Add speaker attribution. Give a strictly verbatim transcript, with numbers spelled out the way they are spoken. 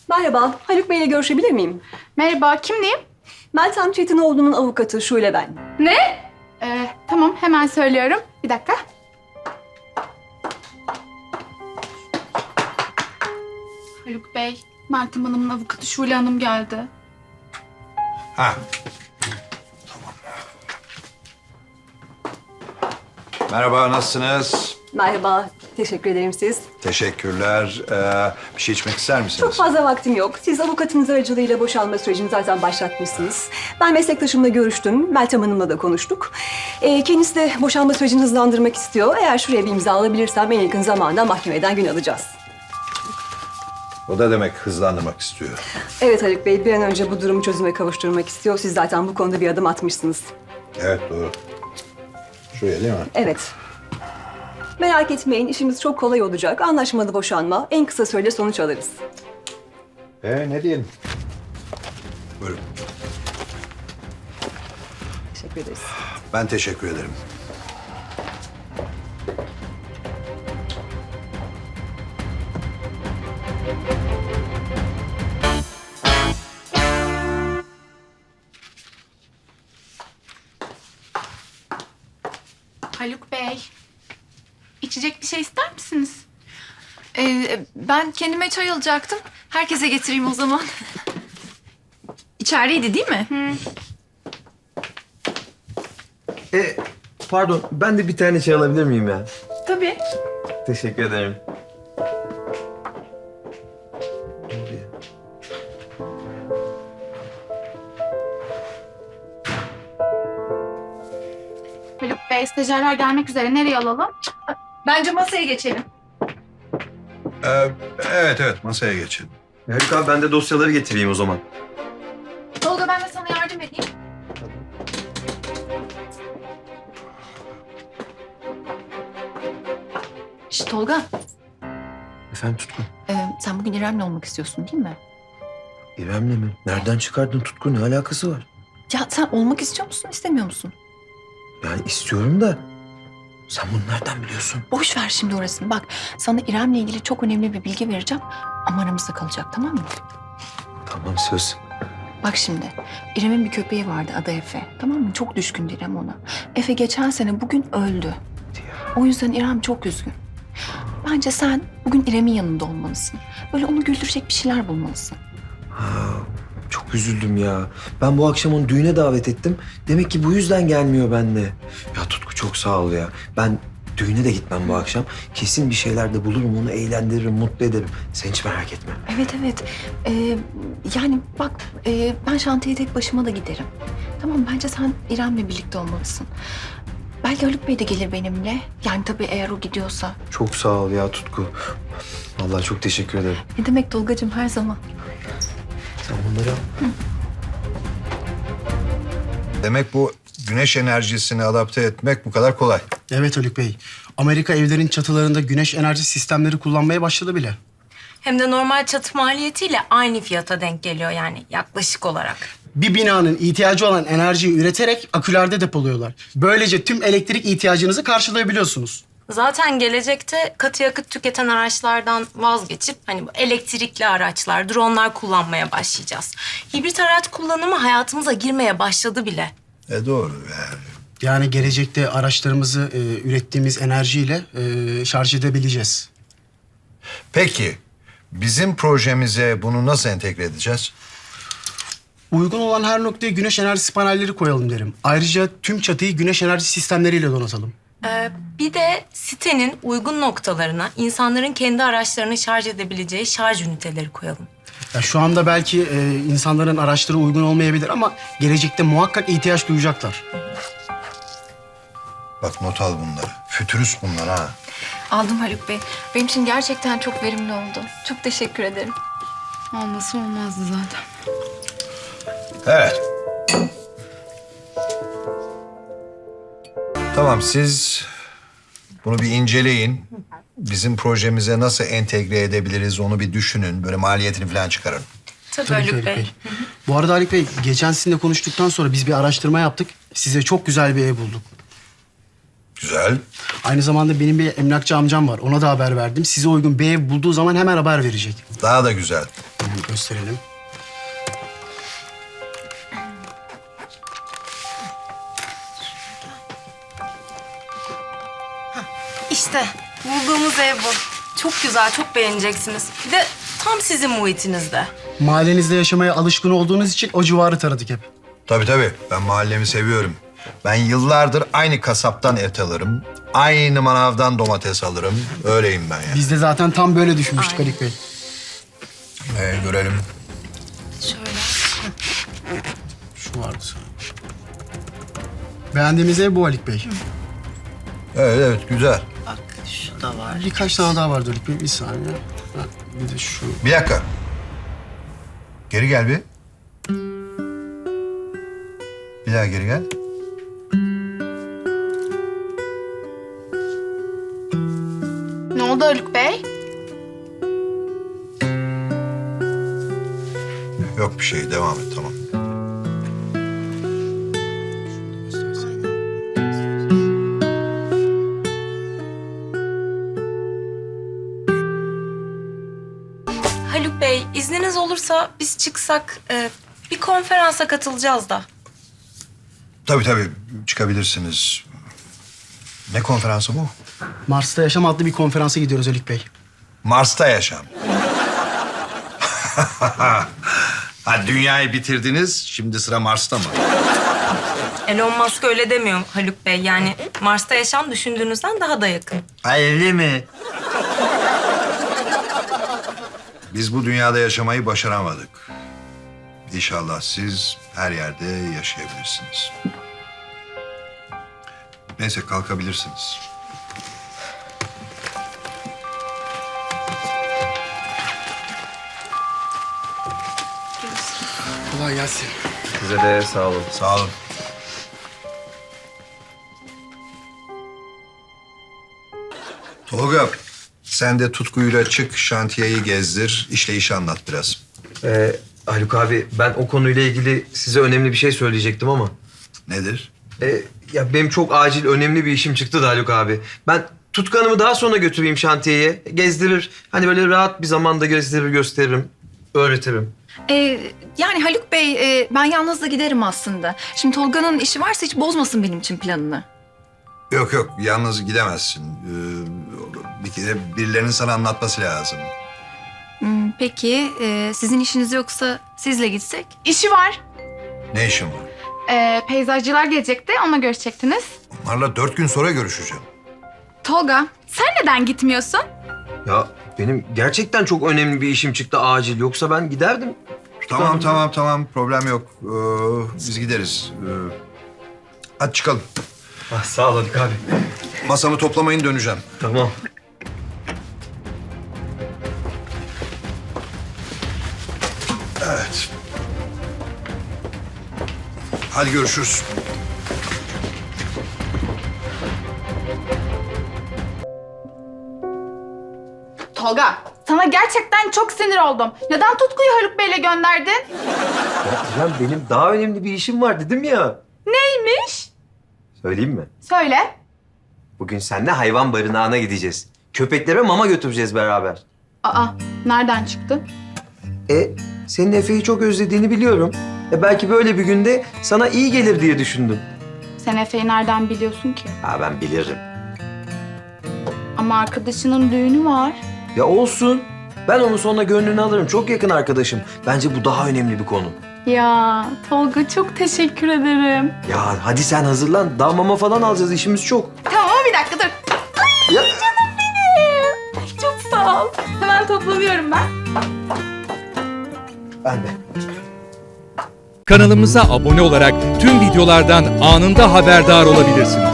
Speaker 1: Merhaba, Haluk Bey ile görüşebilir miyim?
Speaker 2: Merhaba, kimliğim?
Speaker 1: Meltem Çetinoğlu'nun avukatı Şule ben.
Speaker 2: Ne? Ee, tamam, hemen söylüyorum. Bir dakika. Haluk Bey, Meltem Hanım'ın avukatı Şule Hanım geldi.
Speaker 3: Ha. Merhaba, nasılsınız?
Speaker 1: Merhaba, teşekkür ederim siz.
Speaker 3: Teşekkürler. Ee, bir şey içmek ister misiniz?
Speaker 1: Çok fazla vaktim yok. Siz avukatınız aracılığıyla boşanma sürecini zaten başlatmışsınız. Ben meslektaşımla görüştüm, Meltem Hanım'la da konuştuk. Ee, kendisi de boşanma sürecini hızlandırmak istiyor. Eğer şuraya bir imza alabilirsem en yakın zamanda mahkemeden gün alacağız.
Speaker 3: O da demek hızlandırmak istiyor.
Speaker 1: Evet Haluk Bey, bir an önce bu durumu çözüme kavuşturmak istiyor. Siz zaten bu konuda bir adım atmışsınız.
Speaker 3: Evet, doğru. Şuraya değil mi?
Speaker 1: Evet. Merak etmeyin, işimiz çok kolay olacak. Anlaşmalı boşanma, en kısa sürede sonuç alırız.
Speaker 3: Ee, ne diyelim? Buyurun.
Speaker 1: Teşekkür ederiz.
Speaker 3: Ben teşekkür ederim.
Speaker 2: Haluk Bey, içecek bir şey ister misiniz?
Speaker 4: Ee, ben kendime çay alacaktım. Herkese getireyim o zaman. İçerideydi değil mi?
Speaker 5: E, pardon, ben de bir tane çay alabilir miyim ya?
Speaker 4: Tabii.
Speaker 5: Teşekkür ederim.
Speaker 2: Haluk Bey, stajyerler gelmek üzere. Nereye alalım?
Speaker 4: Bence masaya geçelim.
Speaker 3: Ee, evet, evet. Masaya geçelim.
Speaker 5: Haluk abi, ben de dosyaları getireyim o zaman.
Speaker 4: Tolga ben de sana yardım edeyim. Şş, Tolga,
Speaker 5: Efendim Tutku?
Speaker 4: e, sen bugün İrem'le olmak istiyorsun değil mi?
Speaker 5: İrem'le mi? Nereden çıkardın Tutku? Ne alakası var?
Speaker 4: Ya sen olmak istiyor musun, istemiyor musun?
Speaker 5: Yani istiyorum da sen bunu nereden biliyorsun?
Speaker 4: Boş ver şimdi orasını. Bak, sana İrem'le ilgili çok önemli bir bilgi vereceğim. Ama aramızda kalacak, tamam mı?
Speaker 5: Tamam, söz.
Speaker 4: Bak şimdi, İrem'in bir köpeği vardı adı Efe. Tamam mı? Çok düşkündü İrem ona. Efe geçen sene bugün öldü. O yüzden İrem çok üzgün. Bence sen bugün İrem'in yanında olmalısın. Böyle onu güldürecek bir şeyler bulmalısın.
Speaker 5: Ha, çok üzüldüm ya. Ben bu akşam onu düğüne davet ettim. Demek ki bu yüzden gelmiyor benimle. Ya Tutku, çok sağ ol ya. Ben düğüne de gitmem bu akşam. Kesin bir şeyler de bulurum, onu eğlendiririm, mutlu ederim. Sen hiç merak etme.
Speaker 4: Evet evet. Ee, yani bak e, ben şantiye tek başıma da giderim. Tamam, bence sen İrem'le birlikte olmalısın. Belki Haluk Bey de gelir benimle. Yani tabii eğer o gidiyorsa.
Speaker 5: Çok sağ ol ya Tutku. Vallahi çok teşekkür ederim.
Speaker 4: Ne demek Tolgacığım, her zaman.
Speaker 5: Sen bunları al.
Speaker 3: Demek bu güneş enerjisini adapte etmek bu kadar kolay.
Speaker 6: Evet Haluk Bey. Amerika evlerin çatılarında güneş enerji sistemleri kullanmaya başladı bile.
Speaker 7: Hem de normal çatı maliyetiyle aynı fiyata denk geliyor yani yaklaşık olarak.
Speaker 6: Bir binanın ihtiyacı olan enerjiyi üreterek akülerde depoluyorlar. Böylece tüm elektrik ihtiyacınızı karşılayabiliyorsunuz.
Speaker 7: Zaten gelecekte katı yakıt tüketen araçlardan vazgeçip hani bu elektrikli araçlar, dronlar kullanmaya başlayacağız. Hibrit araç kullanımı hayatımıza girmeye başladı bile.
Speaker 3: E doğru yani.
Speaker 6: Yani gelecekte araçlarımızı e, ürettiğimiz enerjiyle e, şarj edebileceğiz.
Speaker 3: Peki, bizim projemize bunu nasıl entegre edeceğiz?
Speaker 6: Uygun olan her noktaya güneş enerjisi panelleri koyalım derim. Ayrıca tüm çatıyı güneş enerji sistemleriyle donatalım.
Speaker 7: Ee, bir de sitenin uygun noktalarına insanların kendi araçlarını şarj edebileceği şarj üniteleri koyalım.
Speaker 6: Ya şu anda belki e, insanların araçları uygun olmayabilir ama gelecekte muhakkak ihtiyaç duyacaklar.
Speaker 3: Bak, not al bunları. Fütürist bunlar ha.
Speaker 4: Aldım Haluk Bey. Benim için gerçekten çok verimli oldu. Çok teşekkür ederim.
Speaker 2: Olması olmazdı zaten.
Speaker 3: Evet. Tamam, siz bunu bir inceleyin. Bizim projemize nasıl entegre edebiliriz onu bir düşünün. Böyle maliyetini falan çıkarın.
Speaker 7: Tabii,
Speaker 6: Tabii ki
Speaker 7: Haluk
Speaker 6: Haluk
Speaker 7: Bey.
Speaker 6: Bey. Bu arada Haluk Bey, geçen sizinle konuştuktan sonra biz bir araştırma yaptık. Size çok güzel bir ev bulduk.
Speaker 3: Güzel.
Speaker 6: Aynı zamanda benim bir emlakçı amcam var. Ona da haber verdim. Size uygun bir ev bulduğu zaman hemen haber verecek.
Speaker 3: Daha da güzel.
Speaker 6: Hemen gösterelim.
Speaker 7: İşte bulduğumuz ev bu. Çok güzel, çok beğeneceksiniz. Bir de tam sizin muhitinizde.
Speaker 6: Mahallenizde yaşamaya alışkın olduğunuz için o civarı taradık hep.
Speaker 3: Tabii tabii. Ben mahallemi seviyorum. Ben yıllardır aynı kasaptan et alırım. Aynı manavdan domates alırım. Öyleyim ben ya.
Speaker 6: Biz de zaten tam böyle düşünmüştük
Speaker 7: Aynen.
Speaker 6: Haluk Bey.
Speaker 3: Ee, görelim.
Speaker 7: Şöyle.
Speaker 6: Şu vardı sana. Beğendiğimiz ev bu Haluk Bey.
Speaker 3: Evet evet güzel.
Speaker 7: Bak şu da var.
Speaker 6: Birkaç tane daha vardı Haluk Bey. Bir saniye. Ha, bir de şu.
Speaker 3: Bir dakika. Geri gel bir. Bir daha geri gel.
Speaker 2: Ne oldu Haluk Bey?
Speaker 3: Yok bir şey. Devam et tamam.
Speaker 7: Haluk Bey, izniniz olursa biz çıksak e, bir konferansa katılacağız da.
Speaker 3: Tabii tabii. Çıkabilirsiniz. Ne konferansı bu?
Speaker 6: Mars'ta Yaşam adlı bir konferansa gidiyoruz Haluk Bey.
Speaker 3: Mars'ta yaşam. Ha, dünyayı bitirdiniz. Şimdi sıra Mars'ta mı?
Speaker 7: Elon Musk öyle demiyor Haluk Bey. Yani Mars'ta yaşam düşündüğünüzden daha da yakın.
Speaker 3: Öyle mi? Biz bu dünyada yaşamayı başaramadık. İnşallah siz her yerde yaşayabilirsiniz. Neyse kalkabilirsiniz.
Speaker 6: Kolay gelsin.
Speaker 5: Size de sağ olun.
Speaker 3: Sağ olun. Tolga, sen de tutkuyla çık, şantiyeyi gezdir, işleyişi anlat biraz.
Speaker 5: Ee, Haluk abi ben o konuyla ilgili size önemli bir şey söyleyecektim ama.
Speaker 3: Nedir?
Speaker 5: Ee, ya benim çok acil önemli bir işim çıktı da Haluk abi. Ben Tutku Hanım'ı daha sonra götüreyim şantiyeye. Gezdirir. Hani böyle rahat bir zamanda gezdirir, gösteririm. Öğretirim.
Speaker 4: Ee, yani Haluk Bey, e, ben yalnız da giderim aslında. Şimdi Tolga'nın işi varsa hiç bozmasın benim için planını.
Speaker 3: Yok yok, yalnız gidemezsin. Ee, bir kere birilerinin sana anlatması lazım.
Speaker 4: Hmm, peki, e, sizin işiniz yoksa sizle gitsek?
Speaker 2: İşi var.
Speaker 3: Ne işin var?
Speaker 2: Ee, peyzajcılar gelecekti, onunla görüşecektiniz.
Speaker 3: Onlarla dört gün sonra görüşeceğim.
Speaker 2: Tolga, sen neden gitmiyorsun?
Speaker 5: Ya benim gerçekten çok önemli bir işim çıktı acil. Yoksa ben giderdim.
Speaker 3: Tamam tamam tamam, problem yok. Ee, biz gideriz. Ee, hadi çıkalım.
Speaker 5: Ah, sağ ol Haluk abi.
Speaker 3: Masamı toplamayın, döneceğim.
Speaker 5: Tamam.
Speaker 3: Evet. Hadi görüşürüz.
Speaker 2: Tolga, sana gerçekten çok sinir oldum. Neden Tutku'yu Haluk Bey'le gönderdin?
Speaker 5: Ya İrem, benim daha önemli bir işim var dedim ya.
Speaker 2: Neymiş?
Speaker 5: Söyleyeyim mi?
Speaker 2: Söyle.
Speaker 5: Bugün seninle hayvan barınağına gideceğiz. Köpeklere mama götüreceğiz beraber.
Speaker 2: Aa, nereden çıktı?
Speaker 5: E, senin Efe'yi çok özlediğini biliyorum. E belki böyle bir günde sana iyi gelir diye düşündüm.
Speaker 2: Sen Efe'yi nereden biliyorsun ki?
Speaker 5: Ha, ben bilirim.
Speaker 2: Ama arkadaşının düğünü var.
Speaker 5: Ya olsun. Ben onun sonra gönlünü alırım. Çok yakın arkadaşım. Bence bu daha önemli bir konu.
Speaker 2: Ya Tolga, çok teşekkür ederim.
Speaker 5: Ya hadi sen hazırlan. Daha mama falan alacağız. İşimiz çok.
Speaker 2: Tamam ama bir dakika dur.
Speaker 5: Ya.
Speaker 2: Çok sağ ol. Hemen toplanıyorum ben.
Speaker 5: Ben de.
Speaker 8: Kanalımıza abone olarak tüm videolardan anında haberdar olabilirsiniz.